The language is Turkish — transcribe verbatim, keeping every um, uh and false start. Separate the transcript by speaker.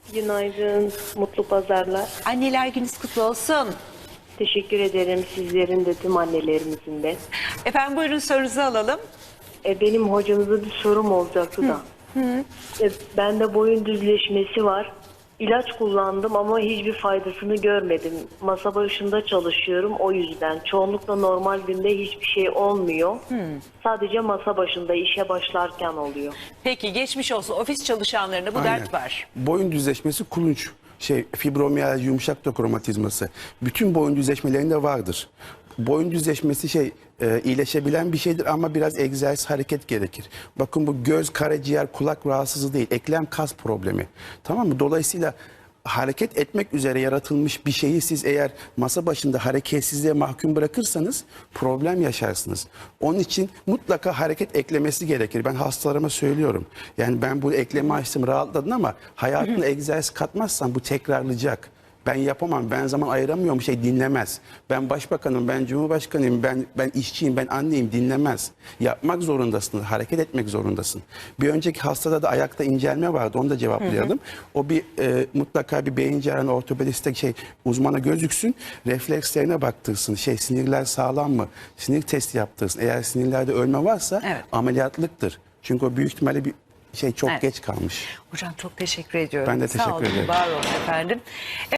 Speaker 1: Günaydın, mutlu pazarlar.
Speaker 2: Anneler gününüz kutlu olsun.
Speaker 1: Teşekkür ederim sizlerin de tüm annelerimizin de.
Speaker 2: Efendim buyurun sorunuzu alalım.
Speaker 1: E, benim hocamıza bir sorum olacaktı da. E, bende boyun düzleşmesi var. İlaç kullandım ama hiçbir faydasını görmedim. Masa başında çalışıyorum o yüzden. Çoğunlukla normal günde hiçbir şey olmuyor. Sadece masa başında işe başlarken oluyor.
Speaker 2: Peki geçmiş olsun. Ofis çalışanlarında bu
Speaker 3: Aynen.
Speaker 2: dert var.
Speaker 3: Boyun düzleşmesi kulunç, şey fibromiyalji, yumuşak doku romatizması. Bütün boyun düzleşmelerinde vardır. Boyun düzleşmesi şey e, iyileşebilen bir şeydir ama biraz egzersiz, hareket gerekir. Bakın bu göz, karaciğer, kulak rahatsızlığı değil, eklem kas problemi. Tamam mı? Dolayısıyla hareket etmek üzere yaratılmış bir şeyi siz eğer masa başında hareketsizliğe mahkum bırakırsanız problem yaşarsınız. Onun için mutlaka hareket eklemesi gerekir. Ben hastalarıma söylüyorum. Yani ben bu eklemi açtım, rahatladın ama hayatına egzersiz katmazsan bu tekrarlayacak. Ben yapamam, ben zaman ayıramıyorum, şey dinlemez. Ben başbakanım, ben cumhurbaşkanıyım, ben ben işçiyim, ben anneyim, dinlemez. Yapmak zorundasın, hareket etmek zorundasın. Bir önceki hastada da ayakta incelme vardı, onu da cevaplayalım. Hı hı. O bir e, mutlaka bir beyin cerrahı, ortopediste şey uzmana gözüksün, reflekslerine baktırsın. Şey sinirler sağlam mı? Sinir testi yaptırsın. Eğer sinirlerde ölme varsa
Speaker 2: Evet.
Speaker 3: ameliyatlıktır. Çünkü o büyük ihtimalle bir şey çok
Speaker 2: Evet.
Speaker 3: geç kalmış.
Speaker 2: Hocam çok teşekkür ediyorum.
Speaker 3: Ben de
Speaker 2: Sağ
Speaker 3: teşekkür
Speaker 2: olun,
Speaker 3: ederim.
Speaker 2: var olun efendim.